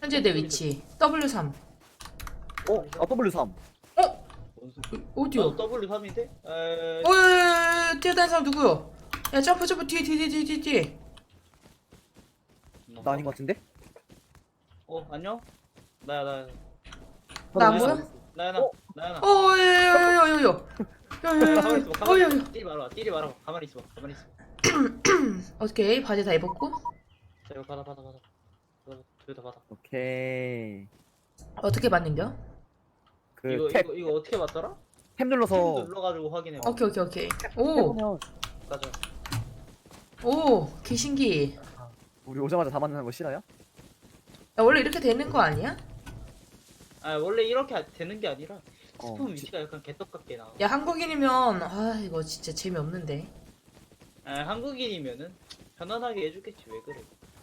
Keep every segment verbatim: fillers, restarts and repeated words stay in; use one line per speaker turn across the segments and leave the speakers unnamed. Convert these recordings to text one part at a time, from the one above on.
현재 내 위치 더블유 삼.
어? 아 더블유 삼.
어?
원수.
어디요?
나도 더블유 삼인데? 에.
어, 야, 야, 야, 뛰어다니는 사람 누구요? 야, 점프, 점프, 뒤에, 뒤에, 뒤에, 뒤에, 뒤에.
나 아닌 것 같은데?
어 안녕? 나야 나야.
나 안 보여?
나야 나.
어?
나야 나.
어, 야, 야, 야, 야, 야, 야, 야, 야, 야,
가만히 있어봐.
어, 야,
가만히
야.
있어. 띠리 말아. 띠리 말아. 가만히 있어봐. 가만히 있어.
오케이, 바지 다 입었고.
자 이거 받아 받아 받아. 받아. 둘다 받아.
오케이.
어떻게 받는겨?
그
이거
탭,
이거 이거 어떻게 받더라?
탭
탭
눌러서
눌러가지고 확인해. 봐.
오케이, 오케이, 오케이. 오,
해보면
가자.
오, 귀신기.
우리 오자마자 다 만나는 거 싫어요?
야, 원래 이렇게 되는 거 아니야?
아 원래 이렇게 아- 되는 게 아니라
어,
스폰
지-
위치가 약간 개떡같게 나와.
야, 한국인이면, 아, 이거 진짜 재미없는데.
아 한국인이면은 편안하게 해주겠지 왜 그래?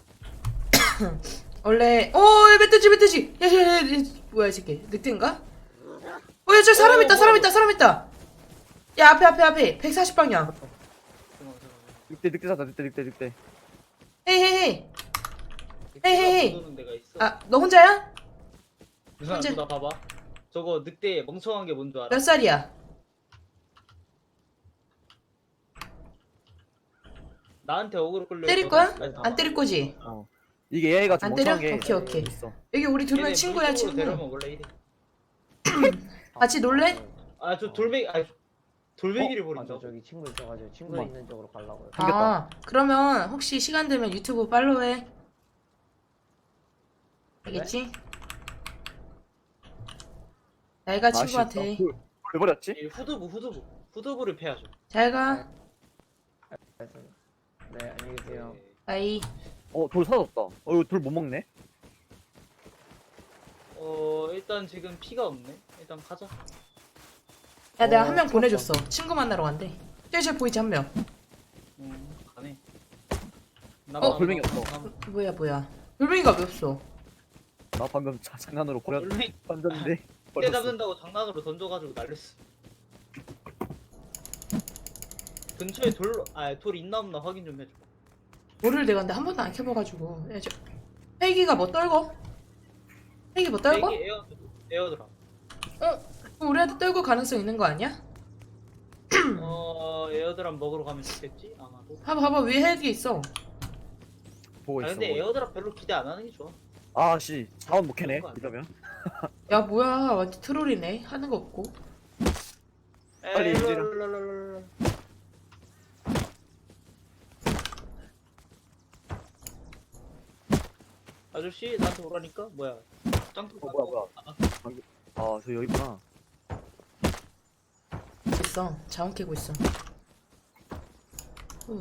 원래, 오, 야, 멧돼지, 멧돼지. 야, 야, 야, 야, 뭐야, 이 새끼. 늑대인가? 어, 야, 저 사람 있다, 사람 있다, 사람 있다. 야, 앞에, 앞에, 앞에. 백사십 방향.
잠깐만 잠깐만.
늑대 늑대 잡다 늑대 늑대 늑대.
헤이, 헤이, 헤이. 헤이, 헤이, 헤이.
오는 데가 있어.
아, 너 혼자야?
유산아
현재-
나 봐봐. 저거 늑대 멍청한 게 뭔 줄 알아?
몇 살이야?
나한테 어그로 끌려.
때릴
있거든?
거야?
아니,
안 때릴 거지?
어. 이게 얘가 좀
안 때려?
멍청한 게
오케이, 오케이.
있어.
여기 우리 두 명
얘네
친구야,
물속으로
친구.
데려오면 원래 이래.
같이 놀래?
아 저 돌멩이 아 돌멩이를
아,
버린다.
저 저기 친구 있어가지고 친구
엄마.
있는 쪽으로 가려고요.
생겼다.
아, 그러면 혹시 시간 되면 유튜브 팔로우해. 알겠지? 나이가 친구한테.
아, 왜 버렸지?
이 후두부 후두부 후두부를 패야죠.
잘 가.
알겠습니다. 네, 안녕히 계세요.
네.
나이.
어, 돌 사라졌다. 어, 이거 돌 못 먹네.
어 일단 지금 피가 없네. 일단 가자.
야, 내가
어,
한 명
좋았어.
보내줬어. 친구 만나러 간대. 저기 저기 보이지, 한 명.
음 가네.
어, 돌멩이 없어.
뭐야, 뭐야. 돌멩이가 왜 없어?
나 방금 자, 장난으로 버렸
돌멩이
던졌는데
때
버렸어.
잡는다고 장난으로 던져가지고 날렸어. 근처에 돌, 아, 돌 있나 없나 확인 좀 해줘.
뭐를 내가 근데 한 번도 안 켜봐가지고. 야, 저... 헬기가 뭐 떨고? 헬기 뭐 떨고?
여기 에어, 에어드랍.
어? 우리한테 떨고 가능성 있는 거 아니야?
어, 에어드랍 먹으러 가면 좋겠지? 아마도.
봐봐, 봐봐, 위에 헬기 있어.
보고
아,
있어.
근데
보고 있어.
에어드랍 별로 기대 안 하는 게 좋아.
아씨, 자원 못 캐네.
그런 거 아니야?
이러면.
야, 뭐야, 완전 트롤이네. 하는 거 없고.
빨리
에이,
이리로.
랄랄랄랄랄. 아저씨, 나한테 오라니까? 뭐야? 짱돌
어, 뭐야, 뭐야. 아, 저 여기 있구나.
있어. 자원 캐고 있어. 후.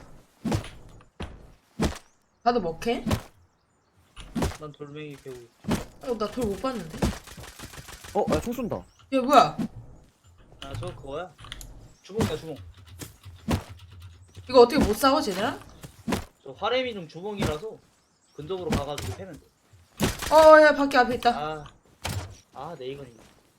나도 뭐 캐?
난 돌멩이 배우고 있어.
어, 나 돌 못 봤는데.
어, 야, 총 쏜다.
야, 뭐야?
아, 저거 그거야? 주먹이야, 주먹.
이거 어떻게 못 싸워, 쟤네랑?
저 화레미 중 주먹이라서 근접으로 가가지고 패면 돼.
어, 야, 밖에 앞에 있다.
아, 아, 네이건이네.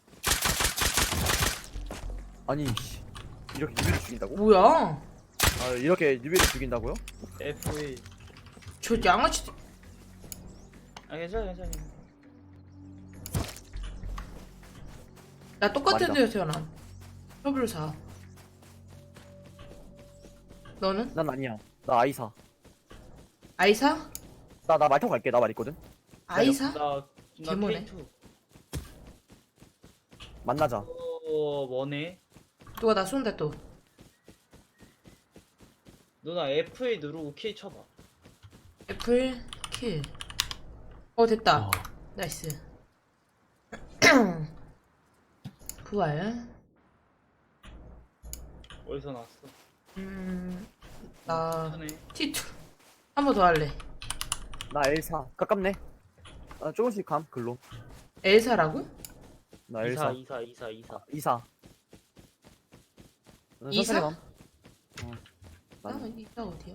아니, 씨. 이렇게 뉴비를 죽인다고?
뭐야?
아, 이렇게 뉴비를 죽인다고요?
에프 일.
저 양아치.
아, 괜찮아, 괜찮아.
나 똑같은
말이다.
데서 태어남. 더블유 사. 너는?
난 아니야. 나 아이사.
아이사?
나, 나 말 타고 갈게. 나 말 있거든.
아이사?
나, 나
개모네.
케이 투.
만나자.
어, 뭐네?
누가 나 쏜다 또.
누나 에프 일 누르고 킬 쳐봐.
애플 킬. 어, 됐다.
어.
나이스. 부활.
어디서 나왔어?
음, 나
하네.
티 투. 한 번 더 할래.
나 엘사. 가깝네. 나 조금씩 감, 글로.
엘사라고?
나
이사,
엘사.
이사, 이사, 이사.
이사. 나는
이사?
천천히 감. 어.
나
나는-
이사 어디야?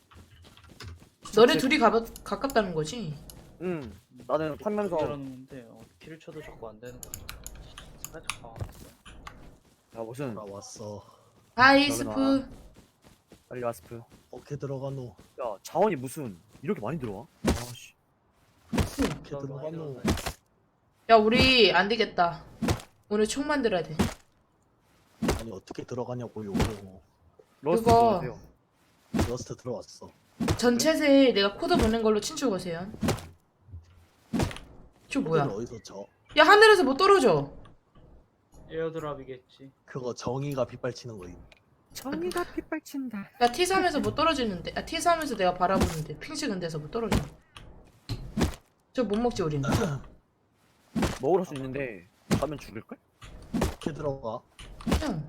너네
제-
둘이 가깝, 가깝다는 거지?
응. 나는 판면서
이라는데 어, 킬을 쳐도 자꾸 안 되는 거야. 살짝 당황했어.
야 무슨
왔어.
아이스프.
빨리 와스프.
어떻게 들어가노?
야 자원이 무슨 이렇게 많이 들어와? 아씨.
어떻게
더
들어가,
많이
너?
들어가요.
야 우리 안 되겠다. 오늘 총 만들어야 돼.
아니 어떻게 들어가냐고요.
러스트
그거-
들어가세요.
러스트 들어왔어.
전챗에 내가 코드 보낸 걸로 친추 거세요. 저 뭐야?
코드를 어디서 저?
야 하늘에서 뭐 떨어져.
에어드랍이겠지.
그거 정의가 빗발치는 거임.
정의가 핏발친다.
야 티 삼에서 뭐 떨어지는데? 야 티 삼에서 내가 바라보는데 핑 찍은 데서 뭐 떨어져. 저 못 먹지 우리는.
먹으러 수 있는데 가면 죽을걸?
어떻게 들어가?
그냥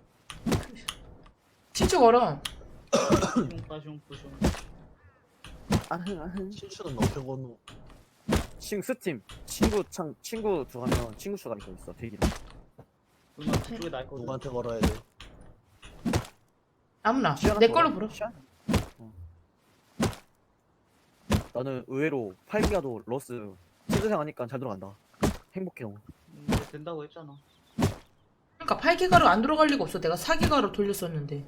친추 걸어.
슝빠슝뿌슝.
아흥 아흥.
신추는 어떻게 건너?
친구 스팀 친구 창 친구 들어가면 친구 수가 이거 있어 대기랑.
누나 그쪽에 날 거든.
누구한테 걸어야 돼?
아무나
시야가
내
좋아.
걸로 불어.
시야? 어. 나는 의외로 팔 기가도 러스 친구생 하니까 잘 들어간다. 행복해 너무.
음, 이제 된다고 했잖아.
그러니까 팔 기가로 안 들어갈 리가 없어. 내가 사 기가로 돌렸었는데.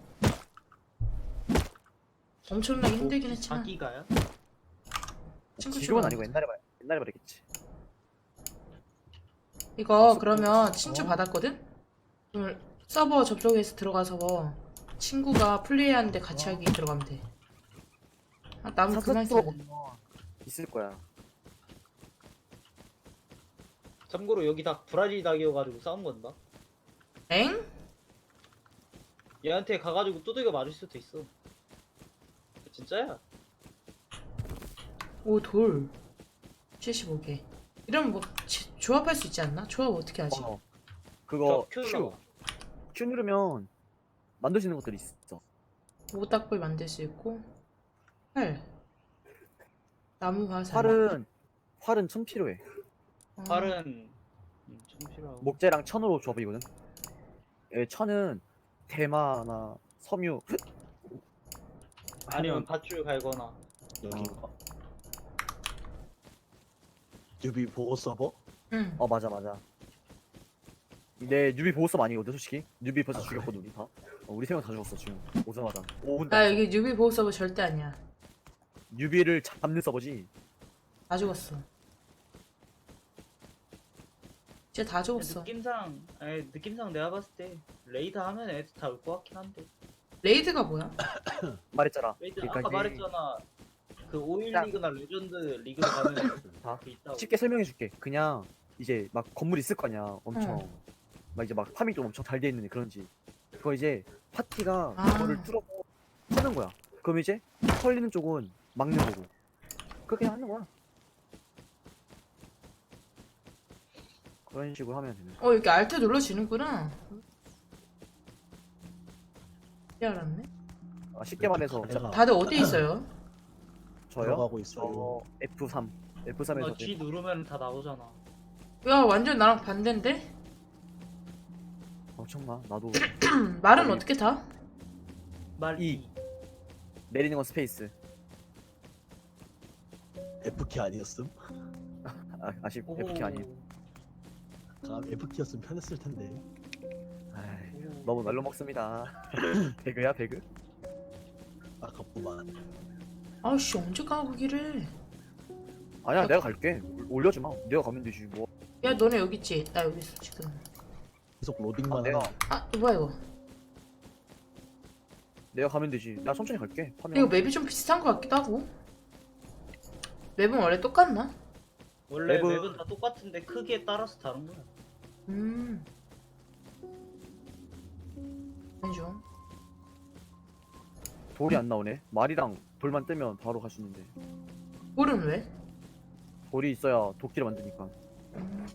엄청나게 힘들긴 했지만.
자기가요?
친구
지금은
추가.
아니고 옛날에 말 옛날에 말했겠지.
이거 그러면 친추
어.
받았거든? 그럼 서버 접속해서 들어가서 친구가 플레이하는데 같이 하기 들어가면 돼. 아, 나무 그만 써.
있을 거야.
참고로 여기 다 브라질 닭이어가지고 싸운 건다.
엥?
얘한테 가가지고 두들겨 맞을 수도 있어. 진짜야?
오, 돌. 칠십오 개. 이러면 뭐 지- 조합할 수 있지 않나? 조합 어떻게 하지?
어. 그거
저
Q
큐.
Q 누르면 만들 수 있는 것들이 있어.
모닥불 만들 수 있고. 활. 나무 화살.
활은 활은 천 필요해.
어.
팔은 음, 좀 필요하고.
목재랑 천으로 조합이거든. 예, 천은 대마나 섬유.
아니면
하면-
밧줄 갈거나.
여기가. 뉴비 보호 서버?
응.
어 맞아 맞아. 내 뉴비 보호섭 아니거든 솔직히. 뉴비 벌써
아,
죽였거든 우리 다. 어, 우리 세 명 다 죽었어 지금. 오자마자. 오 분.
나 여기 뉴비 보호 서버 절대 아니야.
뉴비를 잡는 서버지.
다 죽었어. 진짜 다 죽었어.
느낌상, 아니, 느낌상 내가 봤을 때 레이드 하면 애들 다 올 것 같긴 한데.
레이드가 뭐야?
말했잖아.
레이드
그러니까
아까
이제
말했잖아. 그 오일
딱.
리그나 레전드 리그로 가면
다
그 있다고.
쉽게 설명해줄게. 그냥 이제 막 건물 있을 거 아니야. 엄청 막 이제 막 파밍도 엄청 잘 돼 있는 그런지. 그거 이제 파티가
아.
그거를 뚫어고 푸는 거야. 그럼 이제 털리는 쪽은 막는 거고. 그렇게 하는 거야. 그런 식으로 하면 되는 거야.
어, 이렇게 알트 눌러지는구나. 이제 알았네.
아, 쉽게 말해서
내가
다들 어디 있어요?
저요?
들어가고 있어요.
저 에프 삼. 에프 삼에서
너 G 누르면 다 나오잖아.
야, 완전 나랑 반대인데?
엄청나. 나도
음, 말은
아니.
어떻게 타?
말
이.
이.
내리는 건 스페이스.
F키 아니었음?
아, 아쉽
오호.
에프키 아니에요.
아, F키였으면 편했을 텐데.
아이,
오호.
너무 날로 먹습니다. 배그야 배그?
아깝구만.
아우씨, 언제 가, 거기를.
아니야 내가 갈게. 올려지 마. 내가 가면 되지 뭐.
야, 너네 여기 있지? 나 여기 있어, 지금.
계속
아,
로딩만
내가
해.
아, 이거 뭐야, 이거?
내가 가면 되지. 나 천천히 갈게. 파밍.
이거 맵이 좀 비슷한 것 같기도 하고. 맵은 원래 똑같나?
원래
맵은-
맵은 다 똑같은데 크기에 따라서 다른 거야.
음. 좀.
돌이 안 나오네. 말이랑 돌만 뜨면 바로 갈 수 있는데.
볼은 왜?
돌이 있어야 도끼를 만드니까.
음.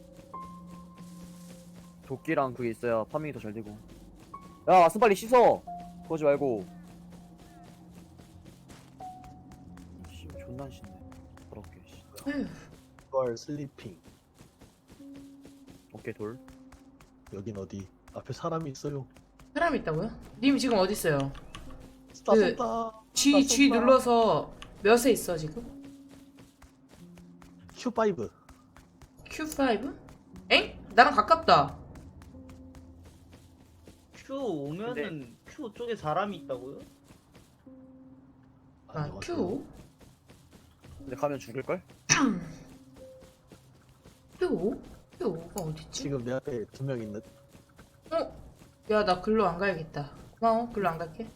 도끼랑 그게 있어야 파밍이 더 잘 되고. 야, 아스 빨리 씻어. 그러지 말고. 씨, 존나 안 씻네. 더럽게. 씨.
에휴,
걸 슬리핑.
오케이 돌.
여긴 어디? 앞에 사람이 있어요.
사람 있다고요? 님 지금 어디 있어요?
쏜다
그-
쏜다.
G, G
쏜다.
눌러서 몇에 있어 지금?
큐 파이브.
큐 파이브? 엥? 나랑 가깝다.
Q 오면은 Q 쪽에 사람이 있다고요?
아, Q?
근데 가면 죽을걸?
케오? 케오가 어딨지?
지금 내 앞에 두 명 있는.
어? 야, 나 글로 안 가야겠다. 고마워, 글로 안 갈게.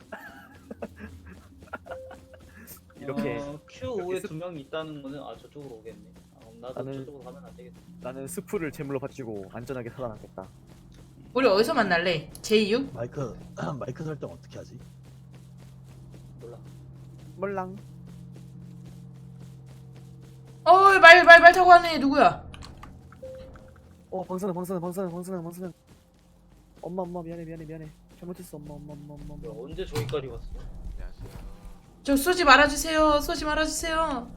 이렇게
어, 큐오에 두 명이 있다는 거는 아 저쪽으로 오겠네. 아, 그럼 나도
나는-
저쪽으로 가면 안 되겠다.
나는 스프를 제물로 바치고 안전하게 살아남겠다.
우리 어디서 만날래? 제이육?
마이크 마이크 설정 어떻게 하지?
몰라.
몰랑.
어이, 말, 말, 말 타고 가는 애 누구야?
어 방사능 방사능 방사능 방사능 방사능. 엄마 엄마 미안해 미안해 미안해. 잘못했어 엄마 엄마 엄마 엄마.
뭐야,
엄마.
언제 저기까지 왔어?
저 쏘지 말아주세요. 쏘지 말아주세요.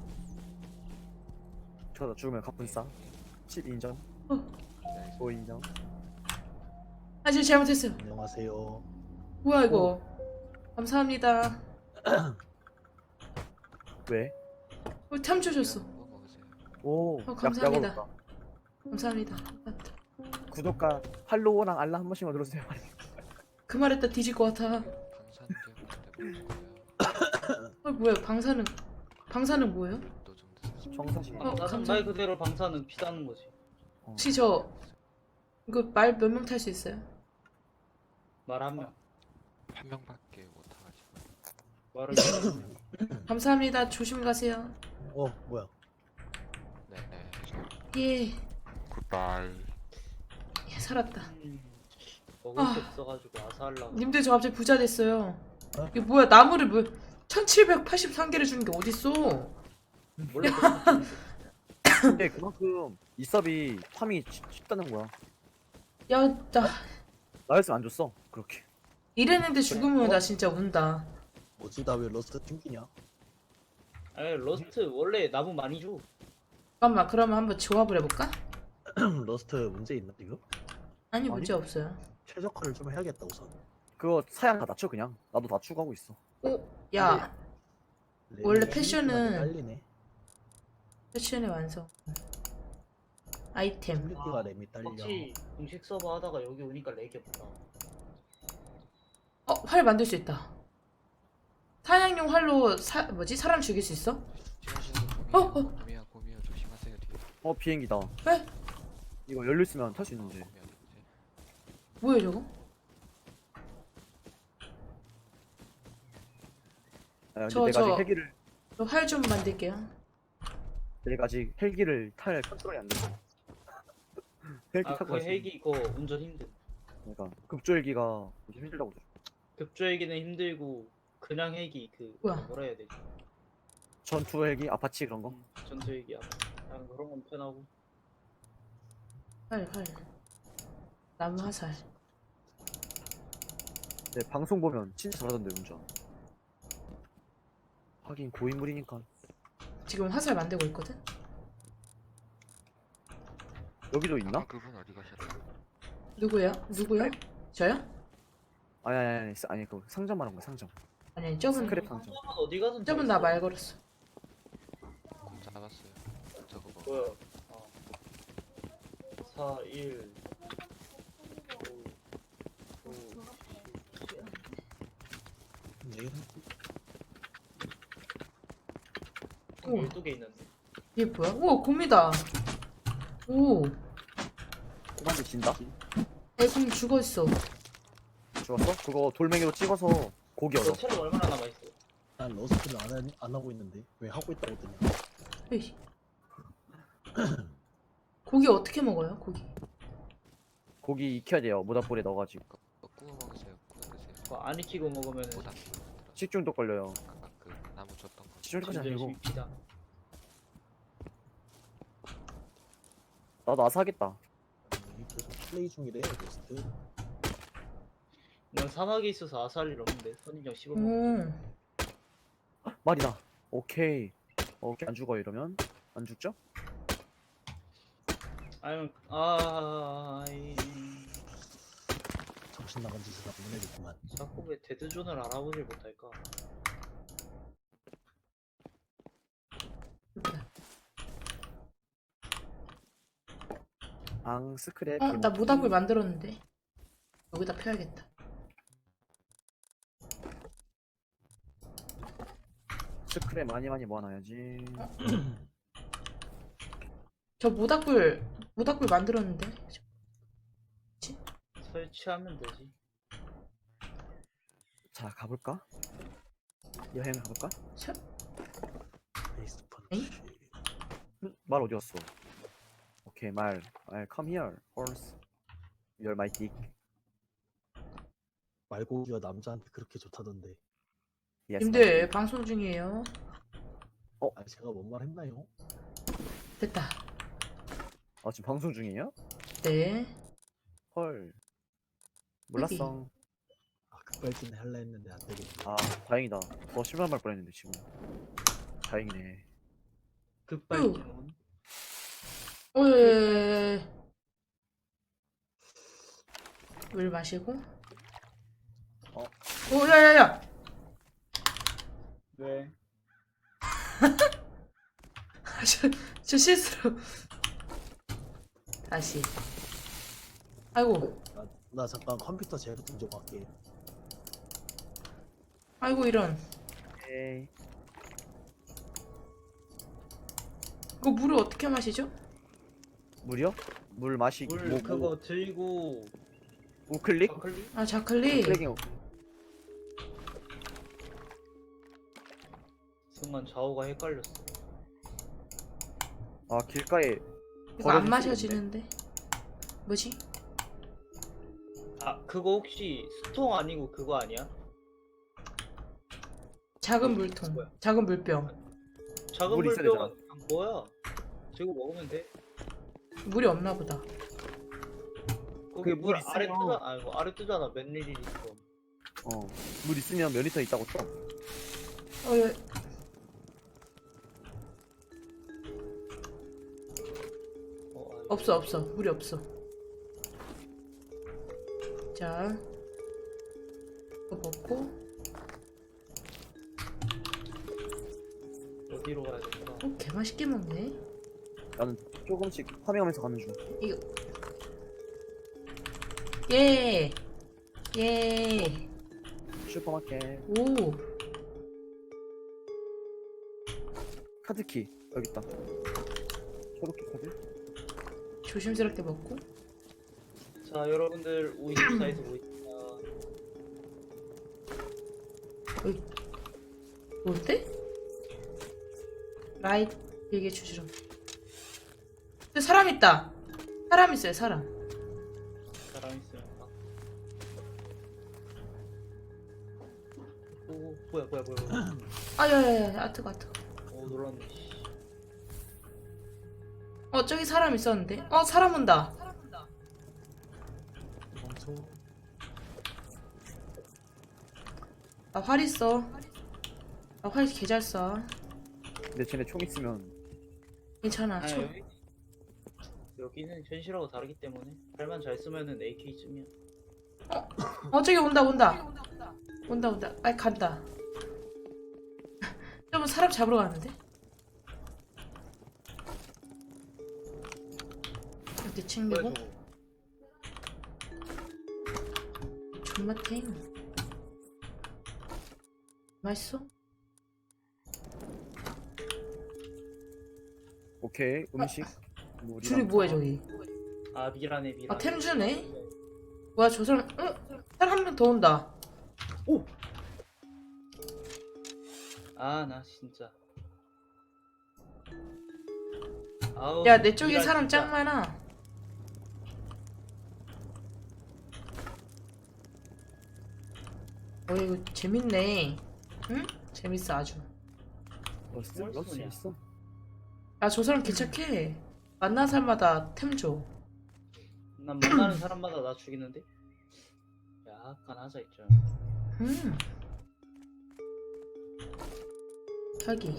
저다 죽으면 갑분싸. 십 인정.
어.
오 인정.
아, 저 잘못했어요.
안녕하세요.
뭐야, 이거. 감사합니다.
왜?
어, 탐 주셨어.
오.
어,
약-
감사합니다.
약 얻었다.
감사합니다. 감사합니다.
구독과 팔로우랑 알람 한 번씩만 눌러주세요.
그 말했다 뒤질 것 같아. 어, 뭐야, 방사능. 방사능 뭐예요?
정사시.
어,
나는
감사-
말 그대로 방사능 피다는 거지.
혹시 저 이거 말 몇 명 탈 수 있어요?
말 한 명.
한 명밖에 못 타가지고.
말을
감사합니다. 조심히 가세요.
어 뭐야?
네.
예,
굿바이.
예 살았다.
먹을
아.
게 없어가지고 아사하려고.
님들 저 갑자기 부자 됐어요.
어?
이게 뭐야, 나무를 뭐 천칠백팔십삼 개를 주는 게 어딨어?
원래
근데 그만큼 이 섭이 파밍이 쉽- 쉽다는 거야.
야, 나
나였으면 안 줬어. 그렇게.
이랬는데 죽으면 나 진짜 운다.
뭐지 나 왜 러스트 튕기냐?
아니 러스트 원래 나무 많이 줘.
잠깐만, 그러면 한번 조합을 해볼까?
러스트 문제 있나 지금?
아니, 문제 없어요.
최적화를 좀 해야겠다 우선.
그거 사양 다 낮춰 그냥. 나도 낮추고 하고 있어.
오, 야, 원래
램이
패션은-
딸리네.
패션의 완성. 아이템.
십육 기가 램이 딸려.
혹시 공식 서버 하다가 여기 오니까 렉이 없다.
어, 활 만들 수 있다. 사냥용 활로 사 뭐지? 사람 죽일 수 있어? 어, 어.
고미야 고미야 조심하세요 뒤에.
어 비행기다.
왜?
이거 열려 있으면 탈 수 있는데.
고미야 누구지?
뭐야 저거?
아, 근데
저-
내가
저-
아직 헬기를
저 활 좀 만들게요.
내가 아직 헬기를 탈 컨트롤이 안 돼서. 헬기 타고
아그
갔어.
헬기 그거 운전 힘들.
그러니까 급조 헬기가 좀 힘들다고. 그러더라고.
급조 헬기는 힘들고 그냥 헬기 그
뭐야?
뭐라 해야 되지?
전투 헬기, 아파치 그런 거.
전투 헬기야. 그냥 그런 건 편하고.
활 활. 나무 화살.
네, 방송 보면 진짜 잘하던데 운전. 하긴 고인물이니까.
지금 화살 만들고 있거든.
여기도 있나?
아, 그분 어디 가셨어요?
누구야? 누구요? 저요?
아니 아니 아니 아니 그 상점 말한 거야 상점.
아니, 아니 저분
스크랩 상점.
상점은 어디 가든
저분
다
나
있어.
말 걸었어.
공 잡았어요. 저거 뭐.
뭐야? 어. 사, 일, 오, 오,
내일
오.
열두 개 있는데.
이게 뭐야? 오, 곰이다. 오,
꼬만데 진다?
애곰 죽어 있어.
죽었어? 그거 돌멩이로 찍어서 고기
너
얻어.
체력 얼마나 남아있어?
난 러스트를 안, 하- 안 하고 있는데 왜 하고 있다고 뜨냐?
에이. 고기 어떻게 먹어요? 고기.
고기 익혀야 돼요. 모닥불에 넣어가지고.
그거 구워 먹으세요. 구워 드세요.
그거 안 익히고 먹으면
모닥불 만들어.
식중독 걸려요.
아까 그 나무 줬던 거.
식중독까지
진짜
아니고.
열심히 피다.
나도 아사하겠다.
음, 계속 플레이 중이래 러스트.
난 사막에 있어서 아살 일 없는데 선인장 씹어
오,
먹어.
말이다. 오케이. 어, 오케이 안 죽어 이러면 안 죽죠?
아니면 아 이-
정신 나간 짓을 하고 보내겠구만.
자꾸 왜 데드존을 알아보질 못할까?
예쁘다.
앙 스크랩.
어, 나 모닥불 만들었는데. 여기다 펴야겠다.
스크랩 많이 많이 모아놔야지.
저 모닥불 모닥불 만들었는데.
설치하면 되지.
자 가볼까? 여행 가볼까?
저,
베이스 펀치.
에이?
음, 말 어디 갔어? 오케이 말. 말 come here horse. You're my dick.
말고기가 남자한테 그렇게 좋다던데.
Yes, my
님들
dick.
방송 중이에요.
아 제가 뭔 말 했나요?
됐다.
아 지금 방송 중이에요?
네.
헐. 몰랐어.
아 급발진 할라 했는데 안 되겠네.
아 다행이다. 더 심한 말 뻔했는데 지금. 다행이네.
급발진.
오, 예, 예, 예. 물 마시고.
어.
오, 야야야.
왜?
저, 저 실수로. 다시. 아이고,
나, 나 잠깐 컴퓨터 제로 좀 갈게.
아이고 이런.
오케이.
이거 물을 어떻게 마시죠?
물이요? 물 마시.
물
뭐,
그거
뭐,
들고
우클릭?
클릭?
아 자클릭.
클릭이
순간 좌우가 헷갈렸어.
아 길가에
이거 안
버려질
마셔지는데. 뭐지?
아 그거 혹시 수통 아니고 그거 아니야?
작은 물통.
뭐야?
작은 물병.
작은
물 있어야
물병 뭐야? 저거 먹으면 돼?
물이 없나 보다.
거기
그게
물
물
아래
있어요.
뜨잖아. 아니 뭐 아래 뜨잖아. 몇 밀리리터.
어. 물 있으면 몇 리터 있다고 쳐?
어, 예.
어, 아니.
없어 없어. 물이 없어. 자. 이거 먹고.
어디로 가야 될까?
어, 개 맛있게 먹네.
나는 조금씩 파밍하면서 가는 중.
이거. 예. 예.
슈퍼마켓.
오.
카드키 여기 있다. 초록키 카드.
조심스럽게 먹고.
자 여러분들 오이십사에서 모입니다.
뭔데? 라이트 길게 주시럼. 근데 사람 있다. 사람 있어요, 사람.
사람 있으면 막. 오 뭐야 뭐야 뭐야. 뭐야.
아, 야야야, 아트가 아트.
오 놀랐네. 씨.
어, 저기 사람 있었는데. 어, 사람 온다.
멈춰.
나 활 있어. 나 활 개 잘 쏴.
근데 쟤네 총 있으면
괜찮아.
아니,
총.
여기, 여기는 현실하고 다르기 때문에 팔만 잘 쓰면은 에이케이쯤이야.
어, 저기 온다, 온다. 온다, 온다. 아이, 간다. 좀 사람 잡으러 가는데? 이렇게
뭐야
챙기고.
저거?
존맛탱. 맛있어?
오케이 음식. 물이랑
줄이 뭐야, 저기?
아 미라네 미라.
아, 템 주네? 뭐야, 저 사람, 응? 사람 한 명 더 온다.
아 나 진짜. 아우,
야, 내 쪽에
미라
사람
진짜.
짱 많아. 어, 이거 재밌네. 응? 재밌어, 아주.
러스
뭘
러스
쏘냐?
있어.
야, 저 사람 개착해. 만난 사람마다 템 줘.
난 만나는 사람마다 나 죽이는데. 약간 하자 있죠.
음. 자기.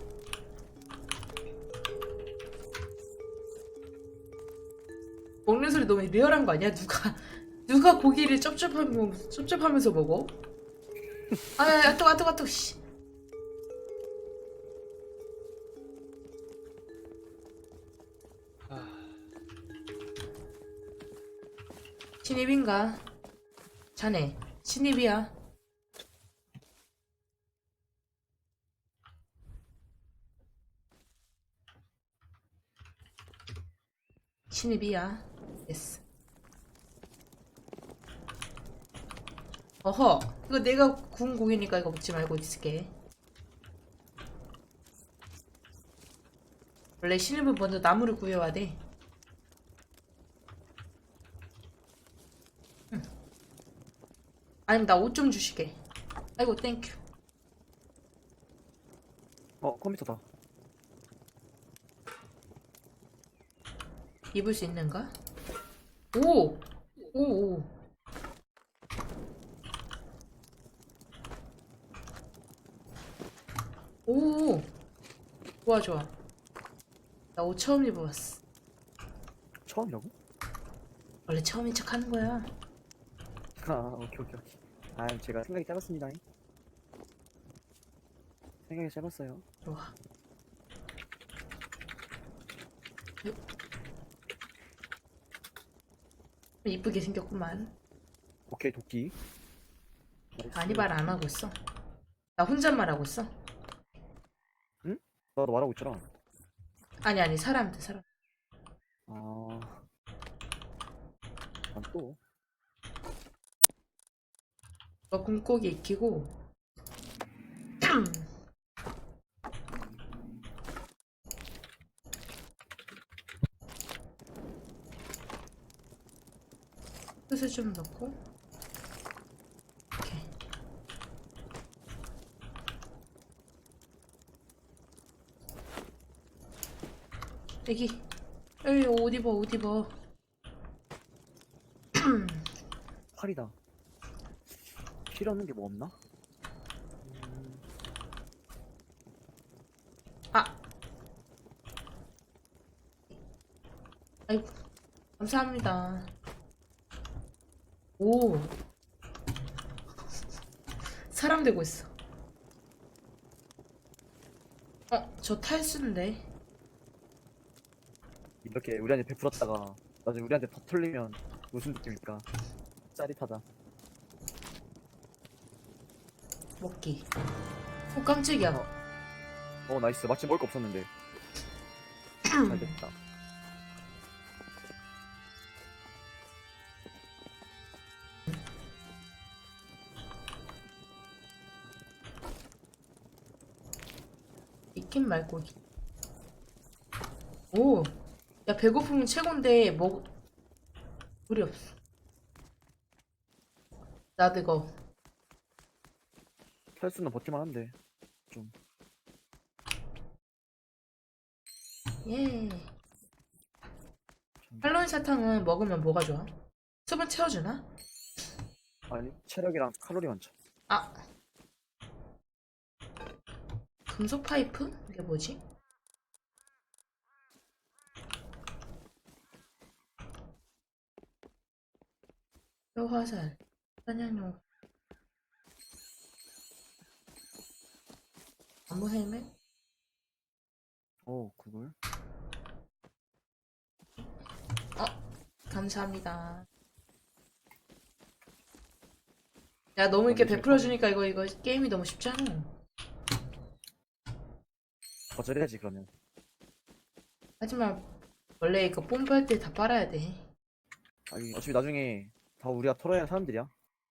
먹는 소리 너무 리얼한 거 아니야? 누가 누가 고기를 쩝쩝하면서 쩝쩝하면서 먹어? 아야, 또, 아, 또, 아, 또, 씨.
아,
신입인가? 자네 신입이야. 신입이야. 예스. 어허, 이거 내가 구운 고기니까 이거 먹지 말고 있을게. 원래 신입은 먼저 나무를 구해와야 돼. 응. 아니면 나 옷 좀 주시게. 아이고 땡큐.
어 컴퓨터다.
입을 수 있는가? 오! 오, 오. 오! 좋아, 좋아. 나 옷 처음 입어봤어.
처음이라고?
원래 처음인 척 하는 거야.
아 오케이 오케이 오케이. 아 제가 생각이 짧았습니다. 생각이 짧았어요.
좋아. 이쁘게 생겼구만.
오케이 도끼. 나이스.
아니 말 안 하고 있어. 나 혼잣말 하고 있어.
나도 말하고 있잖아.
아니 아니 사람한테 사람.
아. 난 또.
너 꿈고기 익히고. 뜻을 좀 넣고. 오케이. 애기. 에이 옷 입어 옷 입어.
팔이다. 필요 없는 게 뭐 없나? 음,
아. 아이고. 감사합니다. 오. 사람 되고 있어. 어, 저 탈수인데.
이렇게 우리한테 베풀었다가 나중에 우리한테 더 털리면 무슨 느낌일까? 짜릿하다.
먹기. 오, 깜짝이야.
어 나이스. 마침 먹을 거 없었는데. 잘 됐다.
익힌 말고기. 오. 야, 배고프면 최곤데, 먹, 물이 없어. 나 그거.
탈수는 버티만 한데. 좀.
예. 할로윈 사탕은 먹으면 뭐가 좋아? 수분 채워주나?
아니 체력이랑 칼로리 많죠.
아. 금속 파이프? 이게 뭐지? 뼈화살, 사냥용, 나무 헬멧?
어 그걸?
감사합니다. 야, 너무 이렇게
어, 이제
베풀어주니까 이거, 이거 게임이 너무 쉽지 않아.
거절해야지 그러면.
하지만, 원래 이거 뽐뿌할 때 다 빨아야 돼.
아니 어차피 나중에 다 우리가 털어야 하는 사람들이야.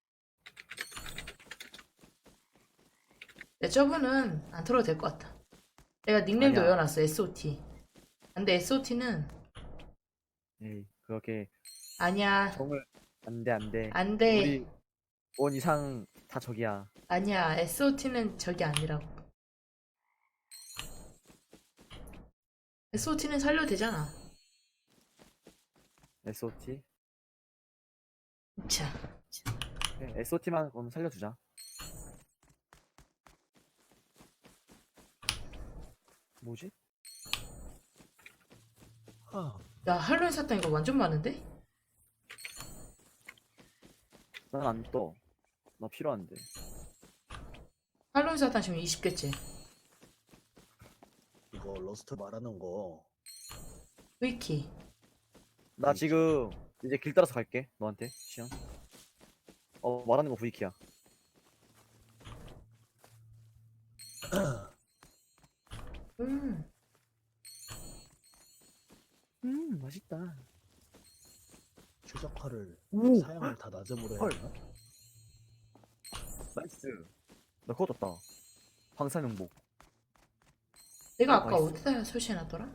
내 저분은 안 털어도 될 것 같아. 내가 닉네임도
아니야.
외워놨어, 에스오티. 근데 에스오티는,
에이 그렇게
아니야,
정을 안돼 안돼.
안 돼.
우리 원 이상 다 적이야.
아니야, 에스오티는 저기 아니라고. 에스오티는 살려도 되잖아.
에스오티.
자,
에스오티만 그럼 살려주자. 뭐지?
하,
야, 할로윈 사탕 이거 완전 많은데?
난 안 떠. 나 필요한데.
할로윈 사탕 지금 이십 개째.
이거 러스트 말하는 거
위키.
나 지금 이제 길 따라서 갈게. 너한테 시연. 어 말하는 거 브이키야.
음,
음 맛있다.
최적화를
오!
사양을 다 낮음으로
헐.
해야 되나?
나이스. 나 그거 떴다. 방사능복.
내가 아까
나이스.
어디다 설치해놨더라?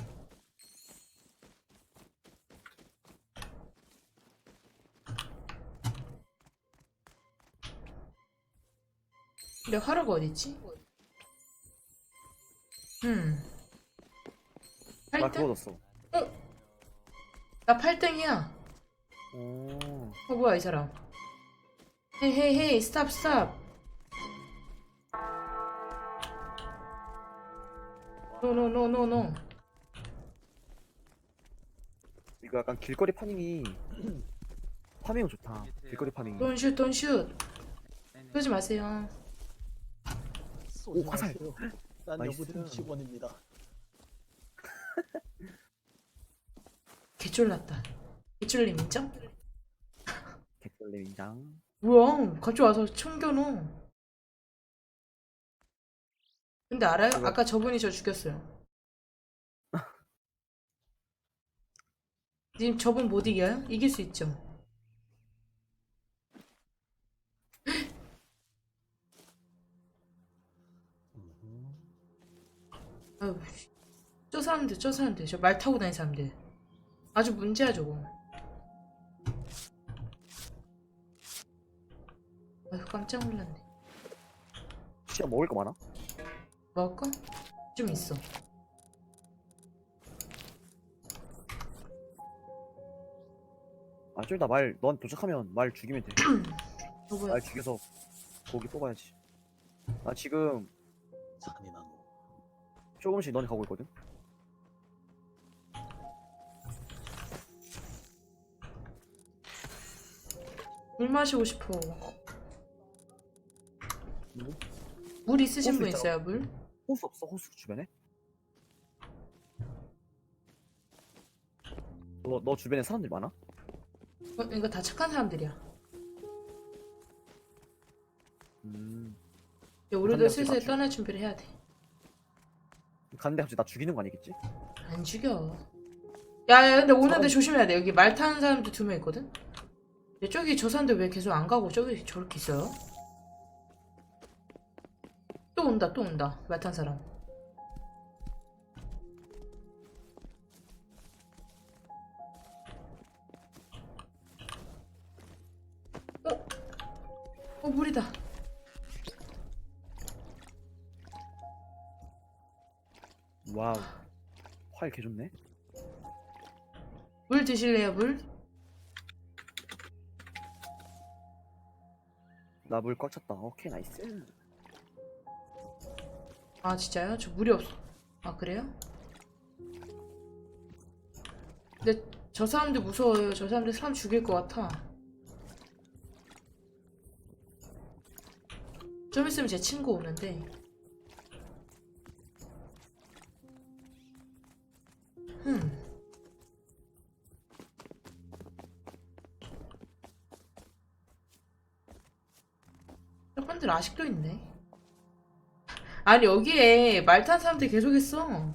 내 화로가 어딨지? 음.
나
팔 등?
그거 떴어.
나 팔 등이야.
오.
어 뭐야 이 사람. 헤이 헤이 헤이 스탑 스탑. 노노노노노.
이거 약간 길거리 파밍이 파밍은 좋다. 길거리 파밍이.
돈슛 돈슛. 그러지 마세요.
쏘지
오, 화살.
마세요. 난
나이스.
여부팀 직원입니다.
개쫄났다. 개쫄림 인정?
개떨림 인장.
뭐야 갑자기 와서 챙겨놓어. 근데 알아요?
그거-
아까 저분이 저 죽였어요. 님 저분 못 이겨요? 이길 수 있죠.
음.
아유, 씨. 저 사람들 저 사람들 저 말 타고 다니는 사람들 아주 문제야 저거. 아유 깜짝 놀랐네.
시야 먹을 거 많아?
먹을까? 좀 있어.
아, 좀 이따 말, 넌 도착하면 말 죽이면 돼.
어 뭐야?
말 죽여서 고기 뽑아야지. 나 지금
잔인한 놈.
조금씩 넌 가고 있거든?
물 마시고 싶어.
뭐?
물 있으신
호수
분
있잖아.
있어요 물?
호수 없어? 호수 주변에? 너, 너 주변에 사람들 많아?
어, 이거 다 착한 사람들이야.
음.
이제 우리도
한명
슬슬
맞춰.
떠날 준비를 해야 돼.
갔는데 갑자기 나 죽이는 거 아니겠지?
안 죽여. 야야 근데 오는데
사람-
조심해야 돼. 여기 말 타는 사람도 두 명 있거든? 근데 저기 저 사람들 왜 계속 안 가고 저기 저렇게 있어요? 또 온다 또 온다 말 탄 사람. 어? 어 물이다.
와우. 활 개좋네?
물 드실래요 물?
나 물 꽉 찼다. 오케이, 나이스.
아 진짜요? 저 물이 없어. 아 그래요? 근데 저 사람들 무서워요. 저 사람들 사람 죽일 것 같아. 좀 있으면 제 친구 오는데. 흠. 저분들 아직도 있네. 아니 여기에 말 탄 사람들 계속 있어.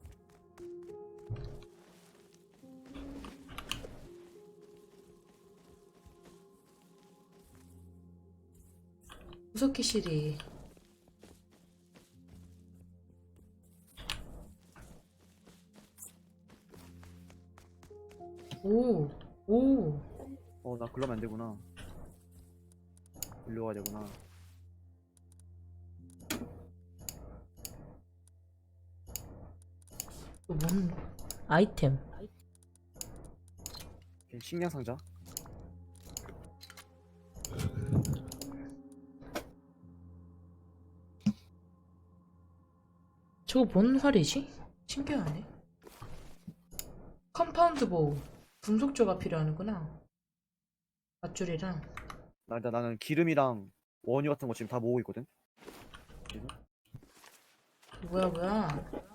무섭게 시리. 오, 오.
어, 나 그러면 안 되구나. 일로 가야 되구나.
이거 뭔 아이템?
오케이, 식량 상자.
저거 뭔 활이지? 신기하네. 컴파운드 보우. 금속조가 필요하는구나. 밧줄이랑.
나, 나, 나는 기름이랑 원유 같은 거 지금 다 모으고 있거든?
뭐야 뭐야.